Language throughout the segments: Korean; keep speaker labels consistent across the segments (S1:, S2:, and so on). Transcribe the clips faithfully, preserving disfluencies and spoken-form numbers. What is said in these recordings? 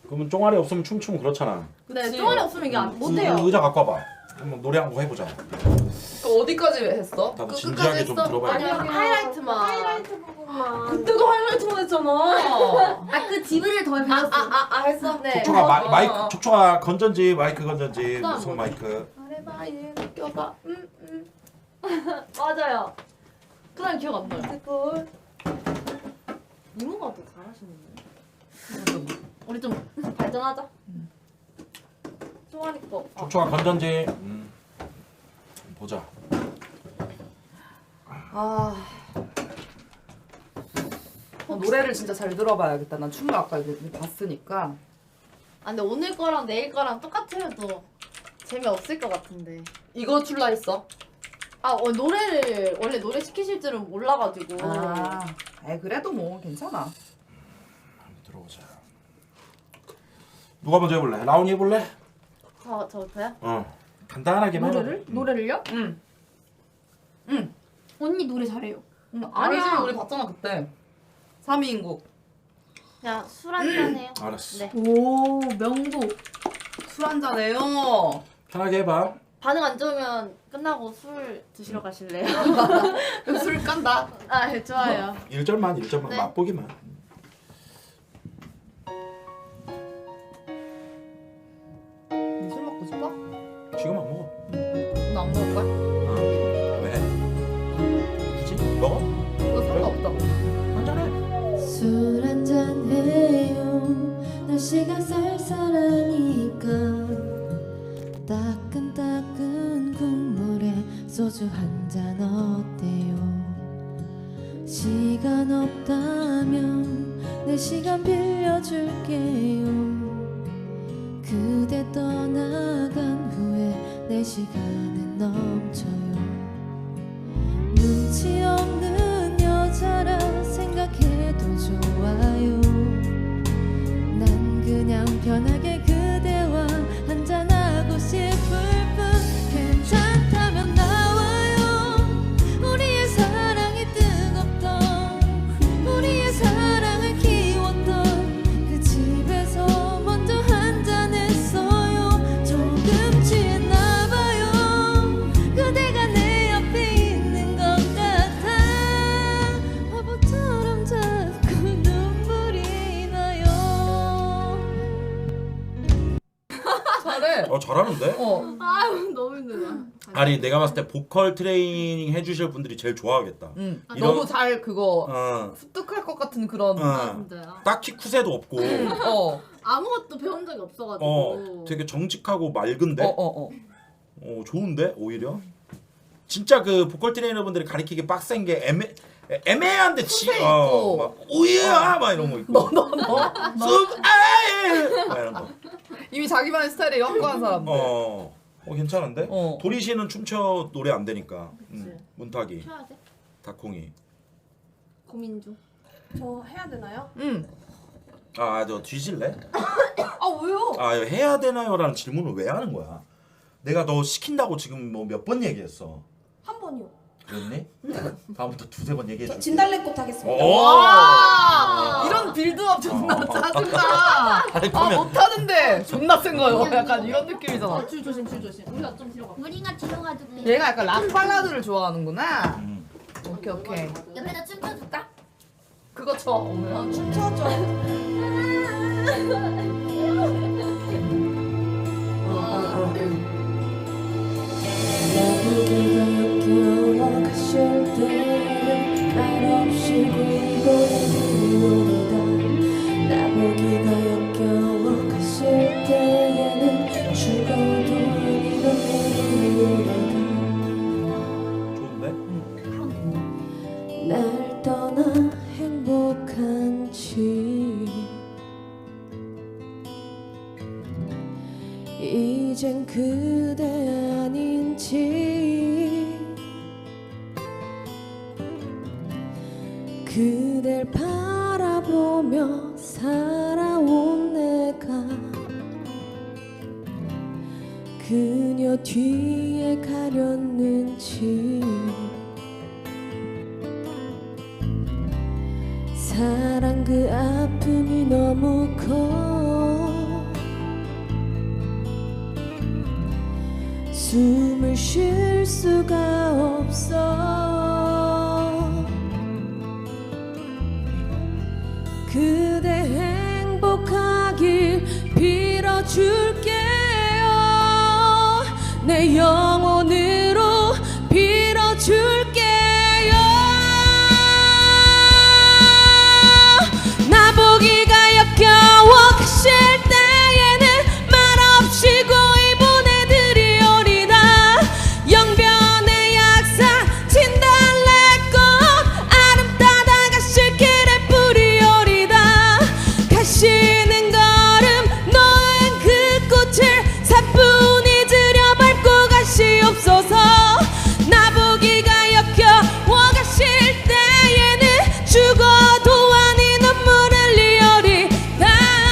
S1: 그러면 쫑알이 없으면 춤추면 그렇잖아.
S2: 네, 쫑알이 없으면 이게 안 못해요.
S1: 의, 의자 갖고 와봐. 한번 노래 한 곡 해보자.
S3: 그 어디까지 했어?
S1: 나도
S3: 그
S1: 진지하게 좀
S3: 했어?
S1: 들어봐야 돼.
S2: 아니야, 하이라이트만.
S4: 하이라이트 부분만.
S3: 그때도 하이라이트만 했잖아.
S2: 아그 지브리를 더 배웠어.
S3: 아아아 아, 했어?
S2: 네.
S1: 촉촉아 마,
S3: 어,
S1: 마이크
S3: 어.
S1: 촉촉아 건전지 마이크 건전지
S2: 그다음
S1: 무슨
S2: 뭐지?
S1: 마이크.
S3: 말해봐 얘 느껴봐. 음 음.
S2: 맞아요. 그다음 기억 안 나요.
S3: 그걸.
S2: 이모가 더 잘하시는데. 우리 좀 발전하자. 쫑알이 거. 아,
S1: 촉촉아 건전지. 음. 보자.
S3: 아. 어, 노래를 진짜 잘 들어봐야겠다. 난 춤을 아까 이렇게 봤으니까.
S2: 아 근데 오늘 거랑 내일 거랑 똑같아도 재미없을 것 같은데.
S3: 이거 출라 했어?
S2: 아 어, 노래를 원래 노래 시키실 줄은 몰라가지고.
S3: 아, 에 그래도 뭐 괜찮아.
S1: 한번 들어보자. 누가 먼저 해볼래? 라온이 해볼래?
S2: 저 저부터요?
S1: 어. 간단하게만.
S4: 노래를? 노래를요?
S3: 응. 응.
S4: 언니 노래 잘해요.
S3: 응.
S2: 아니야.
S3: 아니지 우리 봤잖아 그때. 삼 위인국.
S2: 그냥 술 한잔 해요.
S1: 알았어.
S2: 네.
S4: 오 명곡.
S3: 술 한잔 해요.
S1: 편하게 해봐.
S2: 반응 안 좋으면 끝나고 술 드시러 가실래요?
S3: 술 깐다.
S2: 아 네, 좋아요.
S1: 일 절만 일 절만
S2: 네.
S1: 맛보기만.
S3: 니 술 먹고 싶어?
S1: 지금 안 먹어.
S3: 나 안 먹을 거야?
S1: 어. 왜? 굳이? 먹어?
S3: 이거 상관없다고.
S1: 한잔해.
S5: 술 한잔 해요. 날씨가 쌀쌀하니까 따끈따끈 국물에 소주 한 잔 어때요? 시간 없다면 내 시간 빌려줄게요. 그대 떠나간 후에 내 시간은 넘쳐요. 눈치 없는 여자라 생각해도 좋아요. 난 그냥 편하게 그대와 한잔하고 싶을 뿐. 괜찮다면 나와요. 우리의 사랑이 뜨겁던 우리의 사랑을 키웠던 그 집에서 먼저 한잔했어요. 조금 취했나봐요. 그대가 내 옆에 있는 것 같아. 바보처럼 자꾸 눈물이 나요.
S3: 잘해.
S1: 어 잘하는데?
S3: 어.
S2: 아유 너무 힘들다.
S1: 아니 내가 봤을 때 보컬 트레이닝 해주실 분들이 제일 좋아하겠다.
S3: 응.
S2: 아,
S1: 이런-
S3: 너무 잘 그거
S1: 어.
S3: 습득할 것 같은 그런.
S1: 어.
S2: 진짜요?
S1: 딱히 쿠세도 없고.
S3: 어.
S2: 아무것도 배운 적이 없어가지고.
S1: 어. 되게 정직하고 맑은데.
S3: 어, 어, 어.
S1: 어 좋은데 오히려. 진짜 그 보컬 트레이너분들이 가리키기 빡센 게 애매 애매한데 지.
S3: 쿠세
S1: 어.
S3: 있고.
S1: 막 오야 막 이런 거 있고.
S3: 너, 너, 너.
S1: 쑥 아이 막 이런 거.
S3: 이미 자기만의 스타일에 확고한 사람들.
S1: 어. 어 괜찮은데?
S3: 어.
S1: 도리 씨는 춤춰 노래 안 되니까.
S2: 그치.
S1: 음, 문탁이,
S2: 쉬어야 돼?
S1: 다콩이.
S2: 고민 중.
S4: 저 해야 되나요?
S3: 응.
S1: 아, 너 뒤질래?
S4: 아 왜요?
S1: 아, 이거 해야 되나요라는 질문을 왜 하는 거야? 내가 너 시킨다고 지금 뭐 몇 번 얘기했어.
S4: 한 번이요.
S1: 그랬니? 다음부터 두세 번 얘기해
S4: 저
S1: 줄게.
S4: 진달래꽃 하겠습니다.
S1: 오!
S3: 와! 이런 빌드업 존나
S1: 어.
S3: 짜증나.
S1: 아니,
S3: 아
S1: 그러면
S3: 못하는데 존나 센 거예요. 약간 이런 느낌이잖아.
S2: 어, 줄 조심 줄 조심. 우리가 좀 뒤로 가.
S6: 우리가 뒤로 가줄게.
S3: 얘가 약간 락 발라드를 좋아하는구나.
S1: 음.
S3: 오케이 오케이.
S6: 옆에다 춤춰줄까?
S3: 그거 쳐. 오늘.
S4: 춤춰줘.
S5: 나보기가 역겨워 가실 때는 말없이 굴고는 노래다. 나보기가 역겨워 가실 때에는 죽어도 이런 노래다.
S1: 좋은데?
S5: 날 떠나 행복한지 이젠 그대 아닌지 그댈 바라보며 살아온 내가 그녀 뒤에 가렸는지 사랑 그 아픔이 너무 커 숨을 쉴 수가 없어. 그대 행복하길 빌어줄게요. 내 영혼으로 빌어줄게요. 나보기가 역겨워 가실 때에는 말없이 고이 보내드리오리다. 영변의 약사 진달래꽃 아름다다 가실 길에 뿌리오리다. 가시는 걸음 놓은 그 꽃을 사뿐히 들여 밟고 가시옵소서. 나보기가 역겨워 가실 때에는 죽어도 아니 눈물 흘리오리다.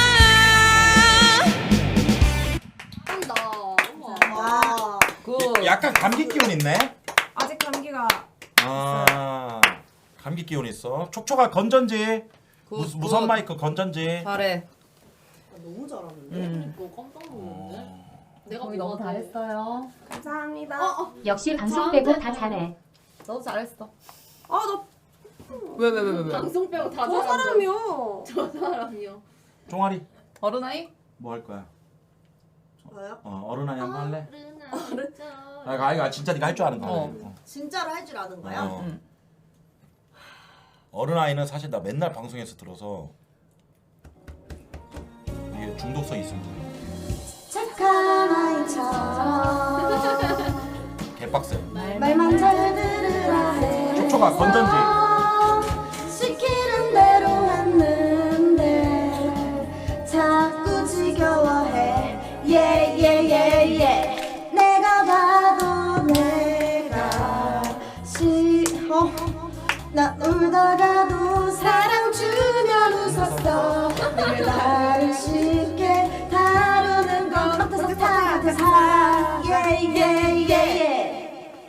S2: 한다.
S4: 와.
S3: 그
S1: 약간 감기 기운 있네.
S3: 아직 감기가
S1: 아 감기 기운 있어. 촉촉아 건전지. 무,
S3: 굿,
S1: 무선
S3: 굿.
S1: 마이크 건전지.
S3: 잘해.
S4: 너무 잘하는데.
S3: 음.
S2: 이거 깜짝 놀랐네. 내가
S3: 거의 너무
S2: 뭐가 돼?
S3: 잘했어요.
S4: 감사합니다.
S2: 어, 어.
S6: 역시 방송 빼고 다 잘해.
S3: 너도 잘했어.
S4: 아, 나
S3: 왜 왜 왜 왜 왜?
S2: 방송 빼고 다
S4: 저
S2: 잘한다.
S4: 사람이요.
S2: 저 사람이요.
S1: 종아리
S3: 어른아이?
S1: 뭐 할 거야?
S4: 저요?
S1: 어 어른아이 한번 할래?
S2: 어른.
S1: 아 이거 아이가 진짜 네가 할 줄 아는 거야.
S3: 어.
S1: 어.
S4: 진짜로 할 줄 아는 거야?
S1: 어.
S3: 응.
S1: 어른아이는 사실 나 맨날 방송에서 들어서 이게 중독성이 있습니다.
S6: 착한 아이처럼
S1: 개빡세.
S6: 말만 잘 들으라 해.
S1: 촉촉아 건전지.
S6: 시키는 대로 했는데 자꾸 지겨워해. 예예예예. 내가 봐도 내가 싫어. 나 울다가도 사랑 주면 웃었어. 늘 나를 쉽게 다루는 건 같아서 같아서 예예예예.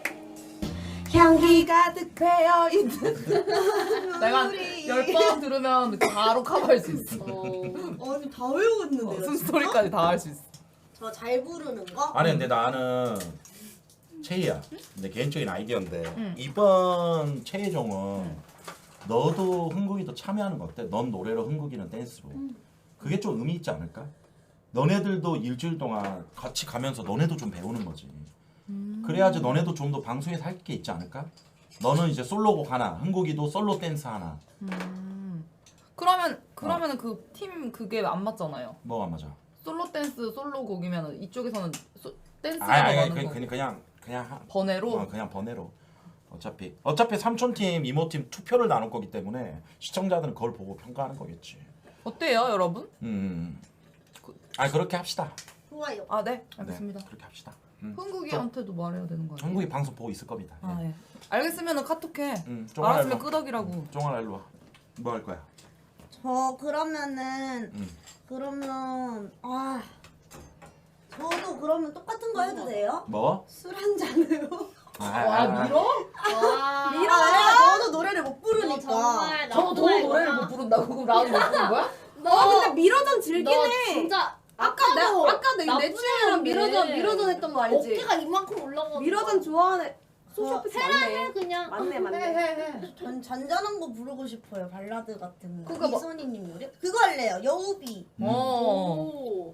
S6: 향기
S3: 가득 배어 있는. 내가 열 번 들으면 바로 커버할 수 있어.
S4: 아니, 다 외우고 있는데요.
S3: 숨소리까지 다 할 수 있어.
S4: 저 잘 부르는 거?
S1: 아니 근데 나는 채희야. 내 개인적인 아이디어인데
S3: 응.
S1: 이번 채희종은 너도 흥국이도 참여하는 거 어때? 넌 노래로 흥국이는 댄스로. 그게 좀 의미 있지 않을까? 너네들도 일주일 동안 같이 가면서 너네도 좀 배우는 거지. 그래야지 너네도 좀 더 방송에서 할 게 있지 않을까? 너는 이제 솔로곡 하나, 흥국이도 솔로 댄스 하나.
S3: 음. 그러면 그러면은 그 팀 그게 안 맞잖아요.
S1: 뭐가 맞아?
S3: 솔로 댄스 솔로 곡이면 이쪽에서는 소, 댄스가
S1: 아니 아니
S3: 나가는
S1: 그냥
S3: 거.
S1: 그냥 그냥 그냥 하-
S3: 번외로.
S1: 어, 그냥 번외로. 어차피 어차피 삼촌팀 이모팀 투표를 나눌 거기 때문에 시청자들은 그걸 보고 평가하는 거겠지.
S3: 어때요, 여러분?
S1: 음. 아 그렇게 합시다.
S4: 좋아요.
S3: 아, 네. 알겠습니다.
S1: 네, 그렇게 합시다. 음.
S3: 흥국이한테도 말해야 되는 거 아니에요?
S1: 한국이 방송 보고 있을 겁니다.
S3: 아, 예. 알겠으면은 카톡해.
S1: 음,
S3: 알았으면
S1: 일로 와.
S3: 끄덕이라고.
S1: 종아라 일로 와. 뭐 할 거야?
S4: 저 그러면은
S1: 음.
S4: 그러면 아 저도 그러면 똑같은 거 해도 돼요?
S1: 뭐?
S4: 술 한 잔으로.
S1: 아,
S3: 와, 밀어?
S2: 와.
S4: 밀어요. 저도 노래를 못
S2: 너
S4: 부르니까.
S2: 정말
S3: 저, 저 노래를 못 부른다고? 그럼 나도 못 부른 거야?
S2: 너,
S4: 어 근데 밀어전 즐긴
S2: 너
S4: 해.
S2: 진짜
S4: 아까 내
S2: 아까도
S4: 아까 내, 내
S2: 나쁘지
S4: 친구랑
S2: 않은데.
S4: 밀어전 밀어전 했던 거 알지?
S2: 어깨가 이만큼 올라가.
S4: 밀어전 좋아하네. 소시오패스 맞네.
S2: 그냥.
S4: 맞네 맞네.
S3: 해, 해.
S7: 전 잔잔한 거 부르고 싶어요. 발라드 같은 거.
S3: 그거 뭐-
S7: 이선희님 노래? 그거 할래요. 여우비.
S1: 음.
S3: 어.
S2: 오.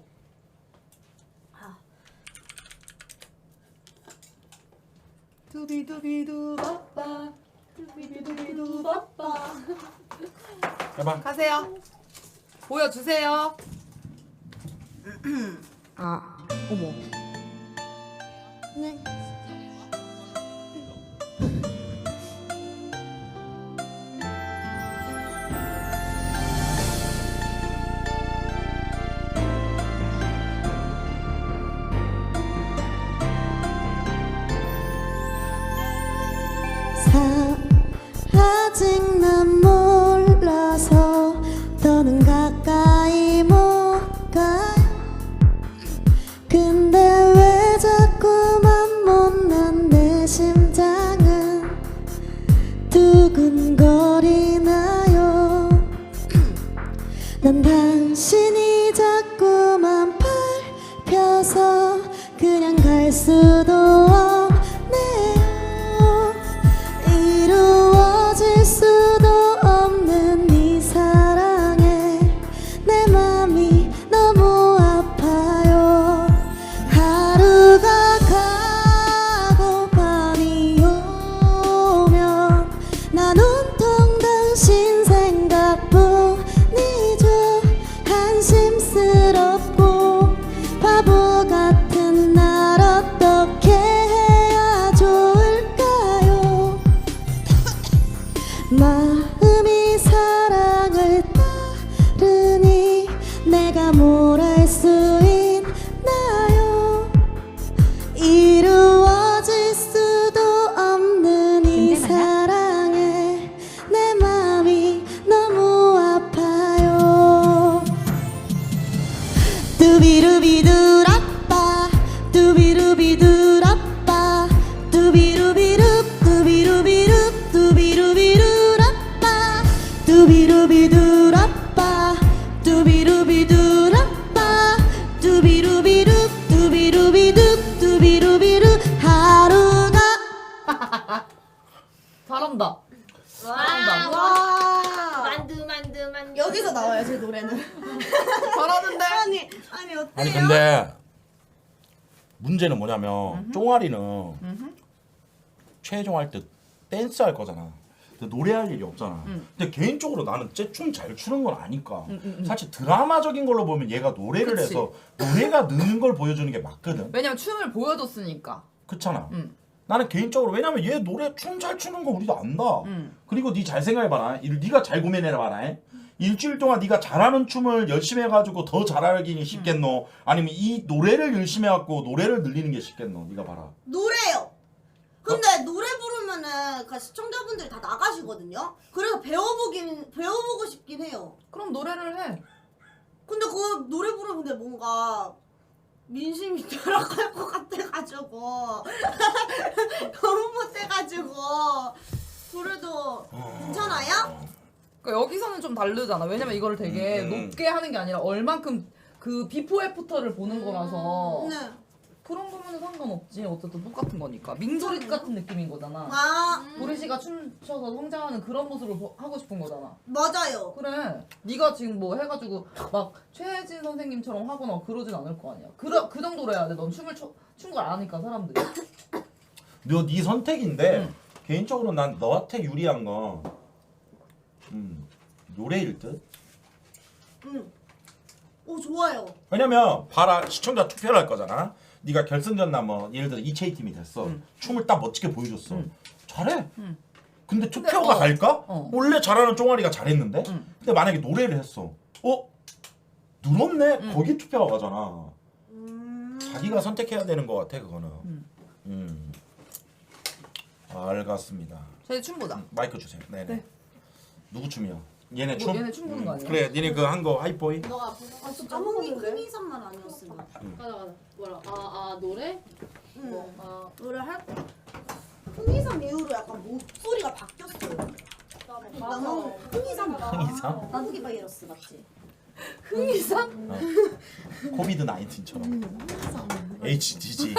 S3: 두비두비두 바빠. 두비두비두 바빠.
S1: 해봐.
S3: 가세요. 보여주세요. 아, 어머.
S7: 네. 아직 난 몰라서 더는 가까이 못 가. 근데 왜 자꾸만 못난 내 심장은 두근거리나요. 난 당신이 자꾸만 밟혀서 그냥 갈 수도 두비루비두라빠 두비루비두라빠 두비루비루 두비루비루 두비루비루라빠 두비루비두라빠 두비루비두라빠 두비루비루 두비루비두 두비루비루 하루가
S3: 잘한다.
S2: 와.
S4: 와.
S2: 만두 만두 만두.
S4: 여기서 나와요 제 노래는.
S3: 잘하는데.
S4: 아니 아니 어때요?
S1: 아니 근데 문제는 뭐냐면 쫑아리는 최종 할 때 댄스 할 거잖아. 근데 노래할 일이 없잖아.
S3: 음.
S1: 근데 개인적으로 나는 쟤춤 잘 추는 건 아니까.
S3: 음, 음, 음.
S1: 사실 드라마적인 걸로 보면 얘가 노래를
S3: 그치.
S1: 해서 노래가 느는 걸 보여주는 게 맞거든.
S3: 왜냐면 춤을 보여줬으니까.
S1: 그렇잖아.
S3: 음.
S1: 나는 개인적으로 왜냐면 얘 노래 춤 잘 추는 거 우리도 안다.
S3: 음.
S1: 그리고 네 잘 생각해봐라. 일- 네가 잘 고민해봐라. 일주일 동안 네가 잘하는 춤을 열심히 해가지고 더 잘하기는 쉽겠노? 아니면 이 노래를 열심히 해갖고 노래를 늘리는 게 쉽겠노? 네가 봐라.
S4: 노래요. 근데 노래 부르면은 그 시청자분들이 다 나가시거든요. 그래서 배워보긴 배워보고 싶긴 해요.
S3: 그럼 노래를 해.
S4: 근데 그 노래 부르는데 뭔가 민심이 돌아갈 것 같아가지고 너무 못해가지고 그래도 괜찮아요?
S3: 그러니까 여기서는 좀 다르잖아. 왜냐면 이거를 되게
S1: 음.
S3: 높게 하는 게 아니라 얼만큼 그 비포 애프터를 보는 거라서
S4: 네.
S3: 그런 거면 상관없지. 어쨌든 똑같은 거니까. 민소리 같은 느낌인 거잖아.
S4: 아
S3: 보리 씨가 춤춰서 성장하는 그런 모습을 보- 하고 싶은 거잖아.
S4: 맞아요.
S3: 그래. 네가 지금 뭐 해가지고 막 최혜진 선생님처럼 하거나 그러진 않을 거 아니야. 그, 그 정도로 해야 돼. 넌 춤을 춰, 춘걸 아니까 사람들이.
S1: 너네 선택인데
S3: 응.
S1: 개인적으로 난 너한테 유리한 건 음, 노래일 듯.
S4: 응. 오 좋아요.
S1: 왜냐면 봐라 시청자 투표를 할 거잖아. 네가 결승전 나뭐 예를 들어 이채희 팀이 됐어.
S3: 응.
S1: 춤을 딱 멋지게 보여줬어.
S3: 응.
S1: 잘해.
S3: 응.
S1: 근데 투표가
S3: 어.
S1: 갈까?
S3: 어.
S1: 원래 잘하는 쫑아리가 잘했는데.
S3: 응.
S1: 근데 만약에 노래를 했어. 어? 늘었네?
S3: 응.
S1: 거기 투표가 가잖아.
S4: 음.
S1: 자기가 선택해야 되는 것 같아 그거는.
S3: 응.
S1: 음. 알겠습니다.
S3: 저희 춤 보자.
S1: 마이크 주세요. 네네.
S3: 네.
S1: 누구 춤이요? 얘네
S3: 뭐,
S1: 춤?
S3: 얘네 춤 보는 거 아니야?
S1: 그래, 니네 그 한 거 하이보이.
S2: 너가 앞에서
S4: 아 진짜 까먹이 큰이산만 아니었으면.
S2: 가자 가자. 뭐라? 아아 노래?
S4: 응.
S2: 뭐, 아
S4: 노래 할 거. 큰이산 이후로 약간 목소리가 바뀌었어요. 나는 흥이산
S1: 흥이산?
S4: 나누기 바이러스 맞지?
S2: 흥이산?
S1: 어. 코비드 나인틴처럼. 에이치디지.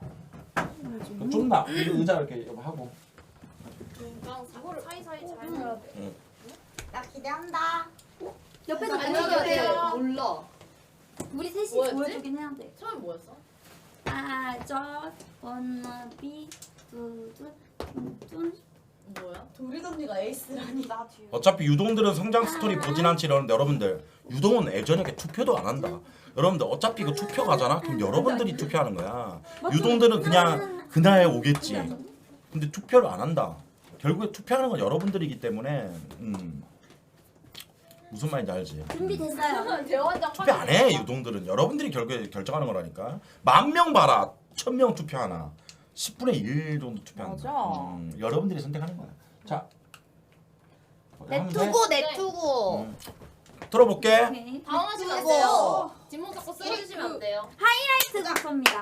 S1: 좀 나. 의자 이렇게 하고.
S2: 그냥 사고를 사이사이 잘 해야 돼.
S4: 나 기대한다.
S5: 옆에서
S2: 아니
S5: 보여줘야
S2: 이게
S5: 돼요.
S2: 몰라.
S5: 우리 셋이
S2: 뭐였지?
S5: 보여주긴 해야 돼.
S2: 처음에 뭐였어?
S5: I just wanna be 두둔 둔둔.
S2: 뭐야?
S4: 도리 언니가 에이스라니. 나 뒤에.
S1: 어차피 유동들은 성장 스토리 보진 않지 이러는데 여러분들 유동은 예전에 투표도 안 한다. 여러분들 어차피 그 투표 가잖아? 그럼 여러분들이 투표하는 거야. 유동들은 그냥 그날 오겠지. 근데 투표를 안 한다. 결국에 투표하는 건 여러분들이기 때문에 음. 무슨 말인지 알지?
S5: 준비됐어요.
S2: 대원장
S1: 투표 안 해 유동들은. 여러분들이 결국에 결정하는 거라니까. 만 명 봐라. 천 명 투표하나. 십분의 일 정도 투표한다.
S3: 맞아.
S1: 음, 여러분들이 선택하는 거야. 자. 하면 돼?
S4: 내투고 내투고.
S1: 음. 들어볼게.
S5: 오케이.
S2: 당황하시면 안
S4: 그거.
S2: 돼요. 뒷목 잡고 쓰러지시면 안 돼요.
S5: 하이라이트 곡입니다.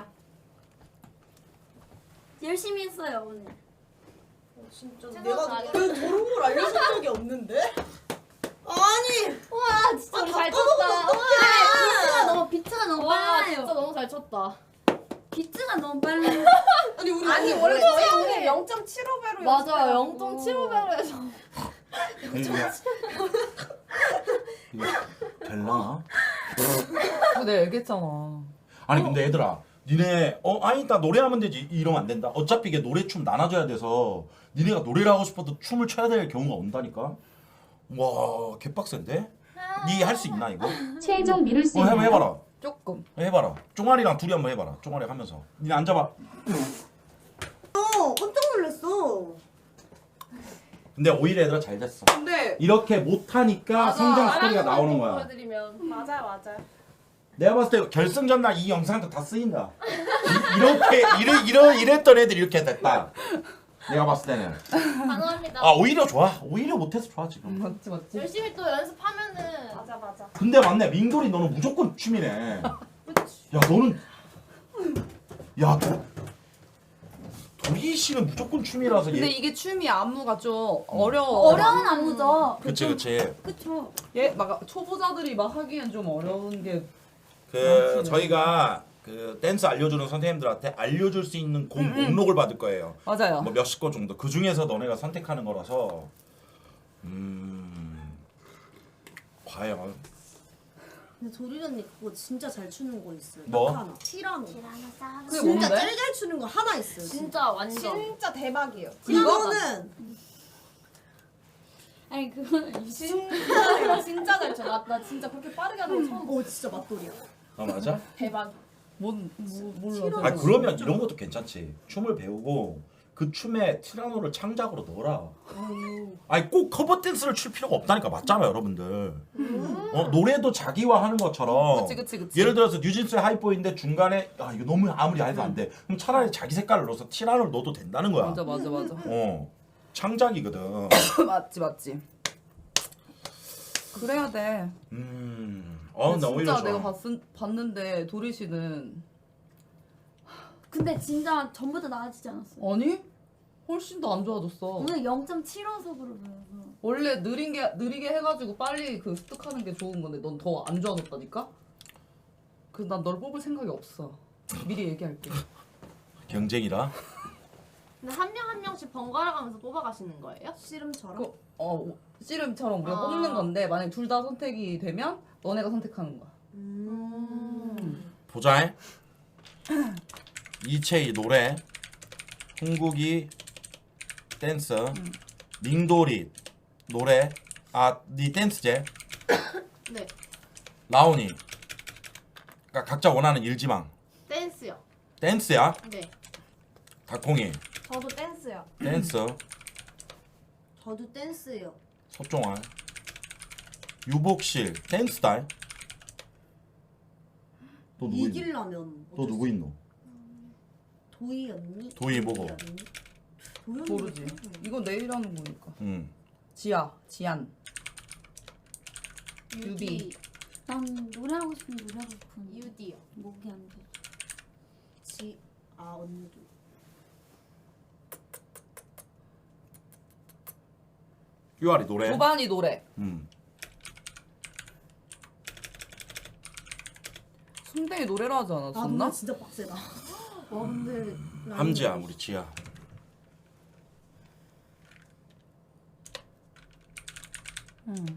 S5: 열심히 했어요 오늘.
S4: 진짜
S2: 생각
S4: 내가
S2: 안 해.
S4: 왜 저런 걸 알려준 적이 없는데? 아니.
S2: 와 진짜
S4: 아,
S2: 잘
S4: 바꿔보면
S2: 쳤다.
S5: 비트가 너무 비트가 너무
S2: 와
S5: 빨라요.
S2: 진짜 너무 잘 쳤다.
S5: 비트가 너무 빨라요.
S4: 아니 우리
S3: 아니
S4: 오늘
S3: 원래
S4: 원래
S3: 저희 영 점 칠오 배로
S2: 맞아 영 점 칠오 배로 해서.
S1: 이거 될라나?
S3: 그거 내가 얘기했잖아.
S1: 아니 근데 얘들아 니네 어 아니 나 노래하면 되지 이러면 안 된다. 어차피 이게 노래 춤 나눠줘야 돼서 니네가 노래를 하고 싶어도 춤을 춰야 될 경우가 온다니까. 와 개빡센데? 니 할 수 있나 이거?
S8: 최종 미룰 수
S1: 어 한번
S8: 있나요?
S1: 해봐라.
S3: 조금.
S1: 해봐라. 쫑아리랑 둘이 한번 해봐라. 쫑아리 하면서 니네 앉아봐.
S4: 어, 깜짝 놀랐어.
S1: 근데 오히려 얘들아 잘 됐어.
S3: 근데
S1: 이렇게 못하니까 성장 스토리가 나오는 거야.
S2: 보여드리면 맞아요 맞아요.
S1: 내가 봤을 때 결승전 날 이 영상도 다 쓰인다. 이, 이렇게 이래, 이래, 이랬던 애들이 이렇게 됐다. 내가 봤을 때는.
S2: 가능합니다.
S1: 아 오히려 좋아. 오히려 못해서 좋아 지금.
S3: 맞지 맞지.
S2: 열심히 또 연습하면은
S6: 맞아 맞아.
S1: 근데 맞네. 민돌이 너는 무조건 춤이네. 야 너는 야 도, 도희 씨는 무조건 춤이라서
S3: 근데
S1: 얘.
S3: 이게 춤이 안무가 좀 어려워.
S6: 어려운 안무죠.
S1: 그치 그치.
S6: 그쵸.
S3: 얘막 초보자들이 막 하기엔 좀 어려운 게.
S1: 그
S3: 그렇지.
S1: 저희가 그 댄스 알려주는 선생님들한테 알려줄 수 있는 곡 목록을 받을 거예요.
S3: 맞아요.
S1: 뭐 몇십 거 정도. 그 중에서 너네가 선택하는 거라서. 음. 과연
S4: 근데 도리 언니 그거 진짜 잘 추는 거 있어요.
S1: 뭐?
S4: 딱 하나. 티라노.
S3: 그게
S4: 진짜
S3: 뭔데?
S4: 제일 잘 추는 거 하나 있어요.
S2: 진짜 완전
S6: 진짜 대박이에요.
S4: 티라노는
S6: 아니 그건 진짜 진짜 잘 쳐. 나, 나 진짜 그렇게 빠르게 하는 거 처음 봐.
S4: 어 진짜 맛돌이야.
S1: 아 맞아?
S6: 대박.
S3: 뭔 뭐, 몰라.
S4: 티라노.
S1: 아 그러면 이런 것도 괜찮지. 춤을 배우고 그 춤에 티라노를 창작으로 넣어라. 아니 꼭 커버 댄스를 출 필요가 없다니까. 맞잖아요 여러분들. 어, 노래도 자기화하는 것처럼.
S3: 그치 그치 그치.
S1: 예를 들어서 뉴진스의 하이보이인데 중간에 아 이거 너무 아무리 해도 안 돼. 그럼 차라리 자기 색깔을 넣어서 티라노를 넣어도 된다는 거야.
S3: 맞아 맞아 맞아.
S1: 어 창작이거든.
S3: 맞지 맞지. 그래야 돼.
S1: 음. 어, 나 오히려
S3: 진짜
S1: 좋아.
S3: 내가 봤, 봤는데 도리 씨는
S6: 근데 진짜 전보다 나아지지 않았어.
S3: 아니 훨씬 더 안 좋아졌어.
S6: 오늘 영 점 칠호속으로 보여서.
S3: 원래 느린 게 느리게 해가지고 빨리 그 습득하는 게 좋은 건데 넌 더 안 좋아졌다니까. 그 난 널 뽑을 생각이 없어. 미리 얘기할게.
S1: 경쟁이라.
S2: 근데 한 명 한 명씩 번갈아 가면서 뽑아가시는 거예요?
S4: 씨름처럼.
S3: 그, 어 씨름처럼 우리가
S2: 아.
S3: 뽑는 건데 만약 둘 다 선택이 되면 너네가 선택하는 거야.
S4: 음.
S1: 보자. 이채희 노래, 흥국이 댄스, 밍돌이 노래. 아, 니 댄스제.
S2: 네.
S1: 라온이. 그러니까 각자 원하는 일지망.
S2: 댄스요.
S1: 댄스야.
S2: 네.
S1: 닭콩이
S6: 저도 댄스요.
S1: 댄스.
S4: 저도 댄스요.
S1: 석종환. 유복실 댄스달. 또 누구 있노?
S4: 이기려면
S1: 또 누구 있노?
S4: 도희 언니?
S1: 도희 뭐고?
S4: 언니? 도희 언니
S3: 모르지.
S4: 누구야?
S3: 이건 내일 하는 거니까.
S1: 응.
S3: 지아, 지안. 유비.
S6: 난 노래하고 싶은 노래하고 싶은.
S2: 유디요.
S6: 목이 안 돼.
S4: 지, 아 언니도.
S1: 큐아리 노래.
S3: 도반이 노래.
S1: 음.
S3: 순대이 노래로 하지
S4: 아
S3: 않았었나?
S4: 누나 진짜 빡세다. 와 근데
S1: 함지야 우리 지아.
S3: 응.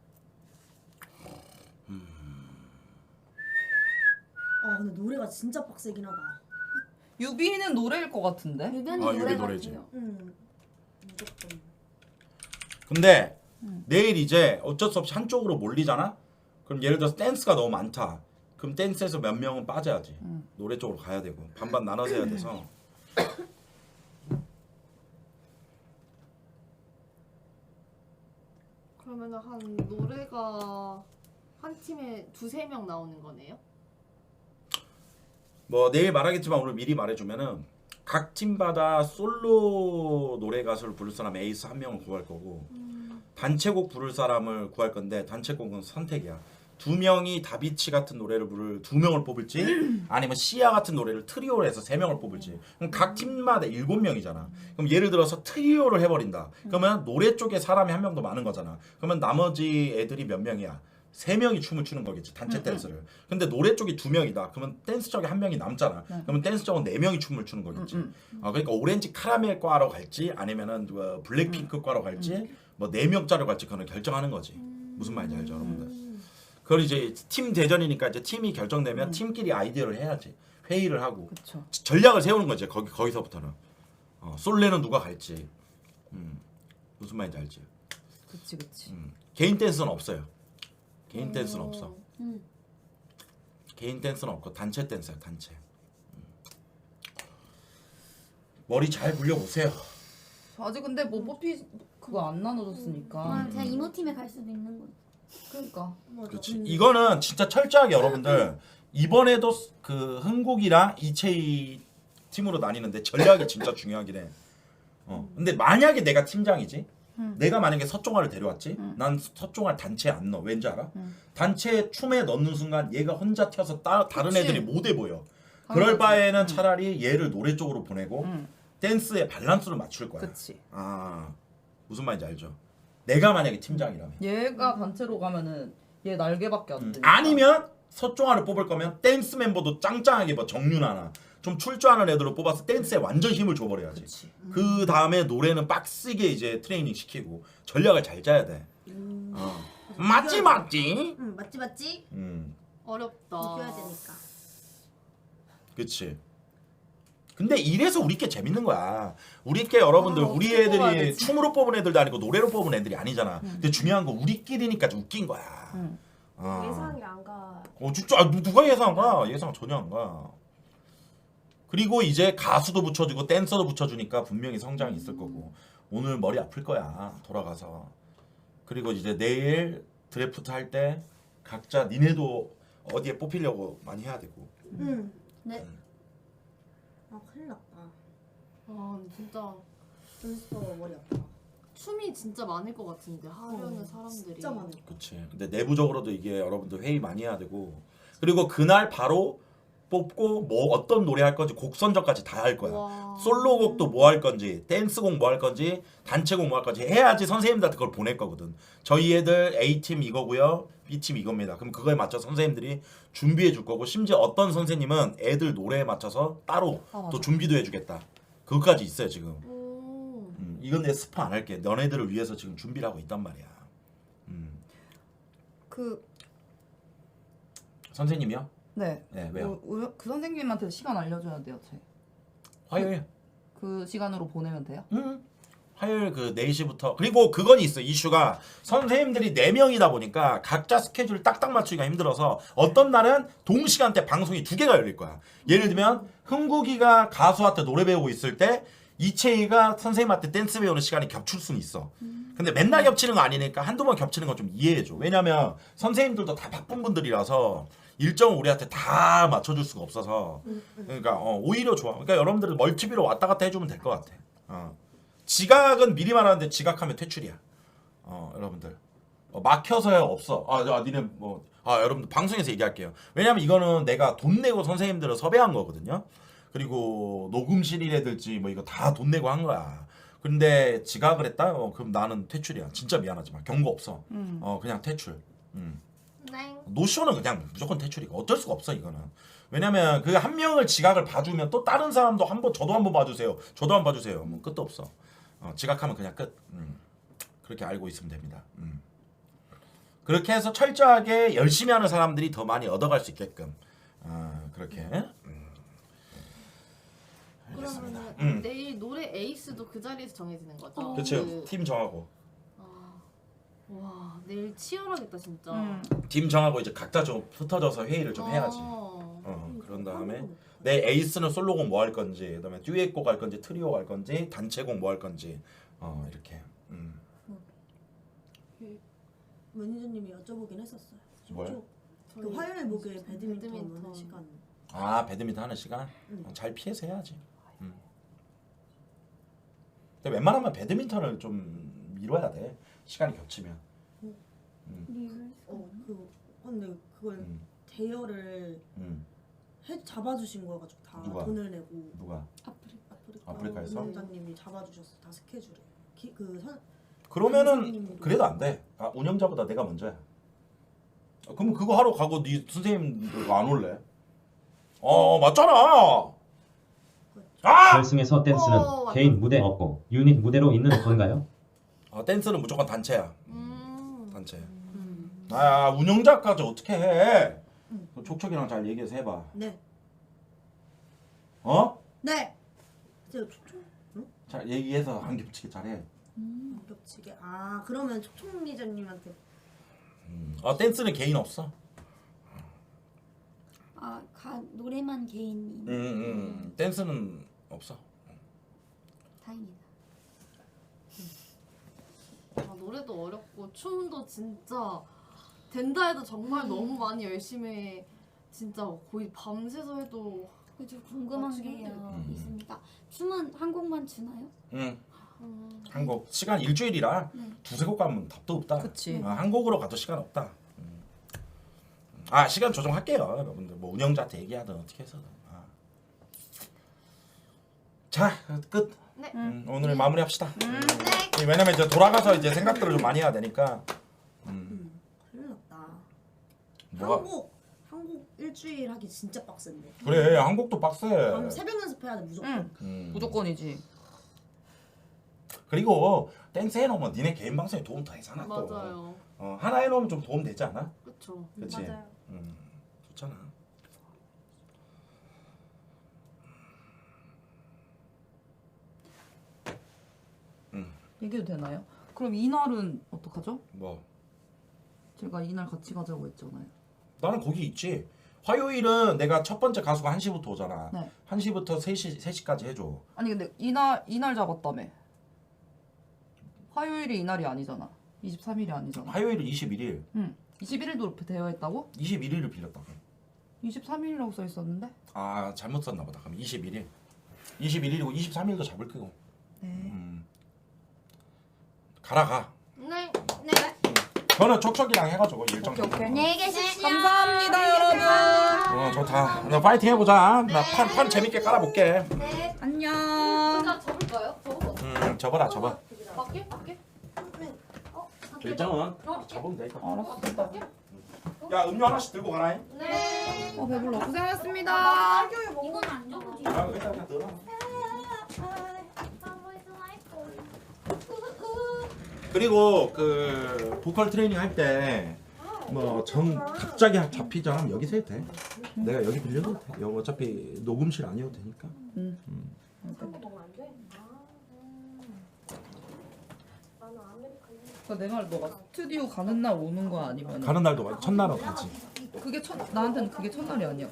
S4: 아 근데 노래가 진짜 빡세긴 하다.
S3: 유비는 노래일 것 같은데?
S6: 유변이
S1: 아, 유비
S6: 노래
S1: 노래지.
S6: 같아요.
S4: 응. 무조건.
S1: 근데 내일 이제 어쩔 수 없이 한쪽으로 몰리잖아. 그럼 예를 들어서 댄스가 너무 많다. 그럼 댄스에서 몇 명은 빠져야지.
S3: 음.
S1: 노래 쪽으로 가야 되고 반반 나눠서 해야 돼서.
S2: 그러면 한 노래가 한 팀에 두세 명 나오는 거네요?
S1: 뭐 내일 말하겠지만 오늘 미리 말해주면은 각 팀마다 솔로 노래 가수를 부를 사람 에이스 한 명을 구할 거고 단체곡 부를 사람을 구할 건데 단체곡은 선택이야. 두 명이 다비치 같은 노래를 부를 두 명을 뽑을지 아니면 시아 같은 노래를 트리오로 해서 세 명을 뽑을지. 그럼 각 팀마다 일곱 명이잖아. 그럼 예를 들어서 트리오를 해버린다. 그러면 노래 쪽에 사람이 한 명 더 많은 거잖아. 그러면 나머지 애들이 몇 명이야? 세 명이 춤을 추는 거겠지. 단체 댄스를. 근데 노래 쪽이 두 명이다. 그러면 댄스 쪽에 한 명이 남잖아. 그러면 댄스 쪽은 네 명이 춤을 추는 거겠지. 아 그러니까 오렌지 카라멜 과로 갈지 아니면은 뭐 블랙핑크 과로 갈지 뭐 네 명짜리 갈지 그거는 결정하는 거지. 무슨 말인지 알죠, 여러분들? 그걸 이제 팀 대전이니까 이제 팀이 결정되면
S3: 음.
S1: 팀끼리 아이디어를 해야지. 회의를 하고
S3: 그쵸.
S1: 전략을 세우는 거지. 거기 거기서부터는 어, 솔레는 누가 갈지. 음, 무슨 말인지 알지?
S3: 그치 그치.
S1: 음. 개인 댄스는 없어요. 개인 댄스는 없어.
S6: 음.
S1: 개인 댄스는 없고 단체 댄스야 단체. 음. 머리 잘 굴려보세요.
S3: 아직 근데 뭐 뽑히 그거 안 나눠줬으니까.
S6: 아, 제가 이모팀에 갈 수도 있는 거지.
S3: 그러니까.
S4: 맞아.
S1: 그렇지.
S4: 근데
S1: 이거는 진짜 철저하게 여러분들 이번에도 그 흥국이랑 이채희 팀으로 나뉘는데 전략이 진짜 중요하긴 해. 어. 근데 만약에 내가 팀장이지.
S3: 음.
S1: 내가 만약에 서종아를 데려왔지.
S3: 음.
S1: 난 서종아 단체에 안 넣어. 왠지 알아?
S3: 음.
S1: 단체 춤에 넣는 순간 얘가 혼자 튀어서 따, 다른
S3: 그치.
S1: 애들이 못해 보여. 그럴
S3: 당연하지.
S1: 바에는
S3: 음.
S1: 차라리 얘를 노래 쪽으로 보내고
S3: 음.
S1: 댄스의 밸런스를 맞출 거야.
S3: 그치.
S1: 아 무슨 말인지 알죠? 내가 만약에 팀장이라면
S3: 얘가 단체로 가면은 얘 날개밖에 안
S1: 음.
S3: 되니까.
S1: 아니면 서종아를 뽑을 거면 댄스 멤버도 짱짱하게 뭐 정윤아나 좀 출조하는 애들로 뽑아서 댄스에 완전 힘을 줘버려야지.
S3: 그치.
S1: 그 다음에 노래는 빡세게 이제 트레이닝 시키고 전략을 잘 짜야 돼.
S4: 음.
S1: 어. 맞지 맞지.
S4: 응 맞지 맞지.
S1: 음,
S2: 어렵다.
S4: 이겨야 되니까.
S1: 그치. 근데 이래서 우리께 재밌는 거야. 우리께 여러분들
S3: 아,
S1: 우리
S3: 어떻게 뽑아야
S1: 애들이
S3: 되지?
S1: 춤으로 뽑은 애들도 아니고 노래로 뽑은 애들이 아니잖아. 근데 중요한 건 우리끼리니까 좀 웃긴 거야.
S3: 음.
S1: 어.
S6: 예상이 안 가.
S1: 어 진짜 아, 누가 예상한 거야? 예상 전혀 안 가. 그리고 이제 가수도 붙여주고 댄서도 붙여주니까 분명히 성장이 있을 거고 오늘 머리 아플 거야 돌아가서. 그리고 이제 내일 드래프트 할 때 각자 니네도 어디에 뽑히려고 많이 해야 되고.
S4: 응. 네. 아 큰일 났다.
S2: 아 진짜
S4: 연습하고 머리 아파.
S2: 춤이 진짜 많을 것 같은데 하려는
S4: 어,
S2: 사람들이.
S4: 진짜 많아.
S1: 그치. 근데 내부적으로도 이게 여러분들 회의 많이 해야 되고 그리고 그날 바로 뽑고 뭐 어떤 노래 할 건지 곡 선정까지 다 할 거야.
S2: 와.
S1: 솔로곡도 뭐 할 건지 댄스곡 뭐 할 건지 단체곡 뭐 할 건지 해야지 선생님들한테 그걸 보낼 거거든. 저희 애들 A팀 이거고요. B팀 이겁니다. 그럼 그거에 맞춰 선생님들이 준비해 줄 거고 심지어 어떤 선생님은 애들 노래에 맞춰서 따로
S3: 아, 맞아.
S1: 또 준비도 해주겠다. 그것까지 있어요 지금.
S2: 오.
S1: 음, 이건 내 스포 안 할게. 너네들을 위해서 지금 준비를 하고 있단 말이야. 음.
S3: 그
S1: 선생님이요?
S3: 네.
S1: 네 왜요?
S3: 그, 우- 그 선생님한테 시간 알려줘야 돼요. 제.
S1: 화요일.
S3: 그 시간으로 보내면 돼요?
S1: 음. 화요일 그 네 시부터 그리고 그건 있어 이슈가 선생님들이 네 명이다 보니까 각자 스케줄 딱딱 맞추기가 힘들어서 어떤 날은 동시간대 방송이 두 개가 열릴 거야. 예를 들면 흥국이가 가수한테 노래 배우고 있을 때 이채희가 선생님한테 댄스 배우는 시간이 겹칠 수는 있어. 근데 맨날 겹치는 거 아니니까 한두 번 겹치는 건 좀 이해해줘. 왜냐면 선생님들도 다 바쁜 분들이라서 일정을 우리한테 다 맞춰줄 수가 없어서 그러니까 어, 오히려 좋아. 그러니까 여러분들은 멀티비로 왔다 갔다 해주면 될 것 같아. 어. 지각은 미리 말하는데 지각하면 퇴출이야. 어 여러분들 어, 막혀서야 없어. 아, 아 니네 뭐 아 여러분들 방송에서 얘기할게요. 왜냐면 이거는 내가 돈 내고 선생님들을 섭외한 거거든요. 그리고 녹음실이라든지 뭐 이거 다 돈 내고 한 거야. 근데 지각을 했다? 어, 그럼 나는 퇴출이야. 진짜 미안하지만 경고 없어.
S3: 음.
S1: 어 그냥 퇴출. 음.
S2: 네.
S1: 노쇼는 그냥 무조건 퇴출이고 어쩔 수가 없어 이거는. 왜냐면 그 한 명을 지각을 봐주면 또 다른 사람도 한번 저도 한번 봐주세요. 저도 한번 봐주세요. 뭐 끝도 없어. 어, 지각하면 그냥 끝. 음. 그렇게 알고 있으면 됩니다. 음. 그렇게 해서 철저하게 열심히 하는 사람들이 더 많이 얻어갈 수 있게끔 어, 그렇게. 음. 알겠습니다.
S2: 그러면
S1: 음.
S2: 내일 노래 에이스도 그 자리에서 정해지는 거죠?
S1: 그렇죠.
S2: 그-
S1: 팀 정하고
S2: 아, 와 내일 치열하겠다 진짜.
S3: 음.
S1: 팀 정하고 이제 각자 좀 흩어져서 회의를 좀 해야지.
S2: 어.
S1: 어, 그런 다음에 내 에이스는 솔로곡 뭐 할 건지, 그다음에 듀엣곡 할 건지, 트리오 할 건지, 단체곡 뭐 할 건지, 어 이렇게. 음.
S4: 매니저님이 여쭤보긴 했었어요.
S1: 뭘?
S4: 저- 그
S2: 저희
S4: 화요일 목요일 배드민턴
S2: 배드민턴.
S4: 하는 시간.
S1: 아 배드민턴 하는 시간
S4: 응.
S1: 어, 잘 피해서 해야지. 음. 근데 웬만하면 배드민턴을 좀 미뤄야 돼. 시간이 겹치면.
S4: 어, 그 근데 그걸
S1: 음.
S4: 대여를
S1: 음.
S4: 해 잡아주신 거여가지고 다
S1: 누가?
S4: 돈을 내고
S1: 누가?
S4: 아프리카
S1: 아프리카에서?
S4: 운영자님이 잡아주셨어 다 스케줄을. 기, 그 선,
S1: 그러면은
S4: 선생님이.
S1: 그래도 안 돼. 아 운영자보다 내가 먼저야. 아, 그러면 그거 하러 가고 네 선생님들 안 올래? 어 맞잖아. 아!
S8: 결승에서 댄스는
S2: 어, 맞다.
S8: 개인 무대 없고 유닛 무대로 있는 건가요?
S1: 아 댄스는 무조건 단체야.
S2: 음.
S1: 단체.
S2: 음.
S1: 아 운영자까지 어떻게 해? 그 촉촉이랑 잘 얘기해서 해봐.
S4: 네.
S1: 어?
S4: 네. 제가 촉촉
S1: 잘 얘기해서 안 겹치게 잘해.
S4: 안 겹치게. 아 그러면 촉촉 리저님한테
S1: 음. 아 댄스는 개인 없어.
S7: 아, 가, 노래만 개인이
S1: 음, 음. 댄스는 없어.
S7: 다행이다.
S2: 아, 노래도 어렵고 춤도 진짜 된다 해도 정말 너무 많이 열심히 진짜 거의 밤새서 해도
S7: 그저 궁금한
S2: 아,
S7: 게
S2: 지금?
S1: 음.
S7: 있습니다. 춤은 한 곡만 추나요?
S1: 응.
S2: 음.
S1: 한 곡 시간 일주일이라
S7: 네.
S1: 두세 곡 가면 답도 없다.
S3: 그치.
S1: 어, 한 곡으로 가도 시간 없다. 음. 아 시간 조정할게요, 여러분들. 뭐 운영자한테 얘기하든 어떻게 해서든. 아. 자 끝.
S2: 네.
S1: 음, 오늘 마무리합시다.
S2: 네.
S1: 음, 왜냐면 이제 돌아가서 이제 생각들을 좀 많이 해야 되니까. 음.
S4: 큰일 났다.
S1: 뭐가
S4: 한국 한국 일주일 하기 진짜 빡센데.
S1: 그래 한국도 빡세.
S4: 밤 새벽 연습해야 돼 무조건.
S3: 응.
S1: 음.
S3: 무조건이지.
S1: 그리고 댄스 해놓으면 니네 개인 방송에 도움 더 되잖아 또.
S2: 맞아요.
S1: 어, 하나 해놓으면 좀 도움 되지 않아?
S2: 그쵸.
S1: 그치?
S6: 맞아요.
S1: 음, 좋잖아.
S3: 얘기해도 되나요? 그럼 이날은 어떡하죠?
S1: 뭐
S3: 제가 이날 같이 가자고 했잖아요.
S1: 나는 거기 있지. 화요일은 내가 첫 번째 가수가 한 시부터 오잖아.
S3: 네.
S1: 한 시부터 세 시, 세 시까지 해줘.
S3: 아니 근데 이날 이날 잡았다며. 화요일이 이날이 아니잖아. 이십삼 일이 아니잖아.
S1: 화요일은 이십일 일.
S3: 응. 이십일 일도 되어 있다고?
S1: 이십일 일을 빌렸다고.
S3: 이십삼 일이라고 써 있었는데.
S1: 아 잘못 썼나 보다. 그럼 이십일 일. 이십일 일이고 이십삼 일도 잡을 거고.
S3: 네.
S1: 음. 가라 가.
S2: 네. 네.
S1: 저는 촉촉이랑 해가지고 일정
S3: 오케이, 오케이.
S7: 안녕히 계십시오.
S3: 감사합니다 여러분.
S1: 어 좋다. 나 파이팅 해보자. 나 판 판 재밌게 깔아볼게.
S2: 네.
S3: 안녕.
S2: 진짜 접을까요? 접어.
S1: 음 접어라 접어.
S2: 밖에? 밖에? 어? 밖에?
S1: 일정은
S2: 어?
S1: 접으면 되니까.
S3: 알았어.
S2: 밖에?
S1: 야 음료 하나씩 들고 가라잉.
S2: 네.
S3: 어 배불러. 고생하셨습니다.
S7: 이건 안 적어지.
S1: 야 일단 그냥 들어. 그리고 그 보컬 트레이닝 할 때 뭐 정 갑자기 잡히자 하면 여기서 해도 돼. 내가 여기 빌려도 돼. 여기 어차피 녹음실 아니어도 되니까.
S3: 응. 그러니까 내 말 너가 스튜디오 가는 날 오는 거 아니면
S1: 가는 날도 가- 첫날은 가지.
S3: 그게 첫 나한테는 그게 첫날이 아니야.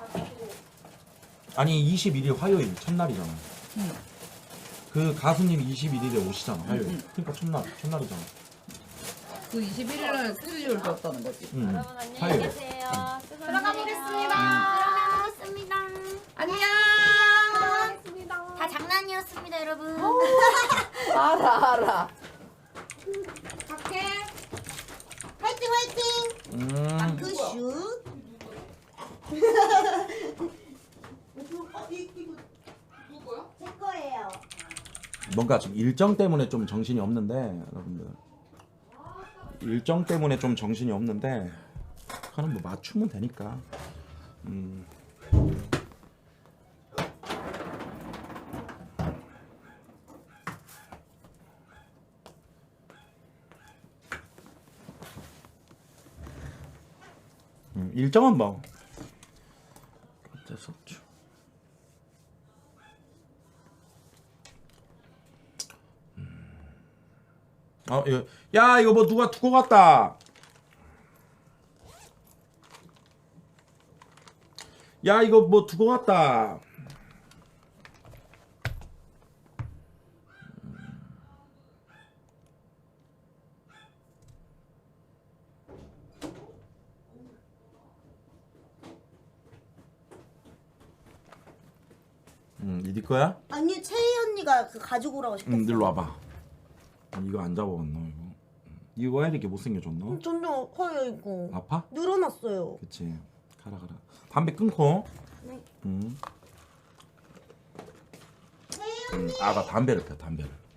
S1: 아니 이십일 일 화요일 첫날이잖아.
S3: 응.
S1: 그 가수님이 이십일 일에 오시잖아 화요일.
S3: 응, 응.
S1: 그러니까 첫날 첫날이잖아.
S3: 그 이십일 일날 스튜디오를 비웠다는 거지.
S1: 응.
S6: 여러분 안녕히
S1: 화요일.
S6: 계세요.
S2: 들어가 보겠습니다.
S7: 들어가겠습니다.
S3: 안녕.
S7: 다 장난이었습니다, 여러분.
S3: 알아 알아.
S4: 갈게. 화이팅 화이팅.
S1: 음.
S4: 마크슛. 어, 이, 이거 누구야? 제 거예요.
S1: 뭔가 지금 일정 때문에 좀 정신이 없는데 여러분들 일정 때문에 좀 정신이 없는데 그럼 뭐 맞추면 되니까. 음. 음, 일정은 뭐 어쩔 수 없죠. 어, 이거, 야 이거 뭐 누가 두고 갔다. 야 이거 뭐 두고 갔다. 음, 이네 거야?
S4: 아니 채희 언니가 그 가지고 오라고 시켰어.
S1: 응, 일로 와봐. 이거 안 잡아봤노 이거. 이거 왜 이렇게 못생겨졌노?
S4: 점점 커요 이거.
S1: 아파?
S4: 늘어났어요.
S1: 그치. 가라 가라. 담배 끊고.
S4: 네.
S1: 응. 음, 아나 담배를 펴 담배를.